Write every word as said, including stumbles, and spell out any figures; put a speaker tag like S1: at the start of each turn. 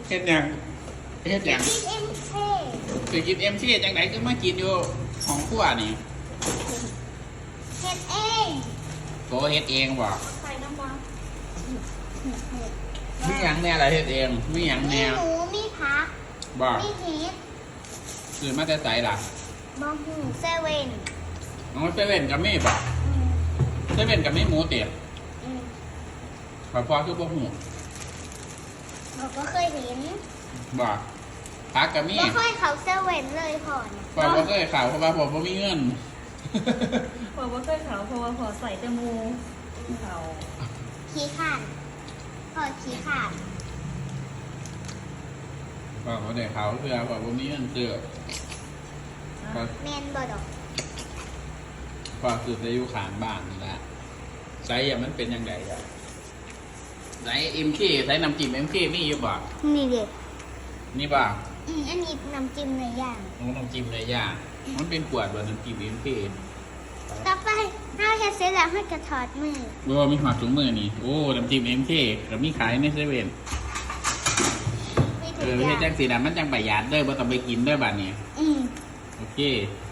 S1: เฮ็ดยังเฮ็ดยัง
S2: กินเอ็มเค
S1: คือกินเอ็มซีจังไหนก็มากินอยู่ของขั้วนี่
S2: เฮ็ดเอง
S1: โตเฮ็ดเองบ่
S2: ใส่น้ำมัน
S1: มีหยังแน่ล่ะเฮ็ดเองมีหยัง
S2: มี
S1: แน่
S2: หมูมีผัก
S1: บ่
S2: มีเห็ด
S1: คือมาแต่ไสล่ะ
S2: บะหูเซเว่น
S1: น้องเซเว่นก็มีบ่
S2: อืม
S1: เซเว่นก็มีหมูเตี๋ย
S2: อืม
S1: ขอพอคือบ่ฮู้
S2: เราก็เคยเห็น
S1: บ่ผักก็มี
S2: ก็เคยเขาเซเว่นเลยผ่อน
S1: พอบ่เคยข่าวเพราะว่าผมบ่มีเงิน
S3: พอว่าเคยเขาเพราะว่าพอใส่แตะมูเขา
S2: ขี้ขาดพอขี้ขาด
S1: พอบ่ได้ข่าวเพื่อพอบ่มีเงินซื้อพอ
S2: แมนบอดอก
S1: พอซื้อได้อยู่ข้างบ้านนี่ล่ะไสอ่ะมันเป็นจังไดอ่ะไส เอ็ม เค ไสน้ำจิ้ม เอ็ม เค มีอยู่บ่
S2: นี่เด็ก
S1: นี่บ่
S2: อืมอันนี้น้ำจิ้มในอย่าง
S1: น้องน้ำจิ้มเลยย่ามันเป็นขวดบ่น้ำจิ้ม เอ็ม เค
S2: ต่อไปถ้าเฮ็ดเสร็จแล้วให้กระถอดมือ
S1: บ่ว่ามีหอดถุงมือนี่โอ้น้ำจิ้ม เอ็ม เค ก็มีขายในเซเว่น
S2: มี
S1: เอ
S2: ถุง
S1: อเฮ็ด
S2: ยา
S1: จังสีน่ะมันจังประหยัดเด้อบ่ต้องไปกินเด้อบัดนี้
S2: อืม
S1: โอเค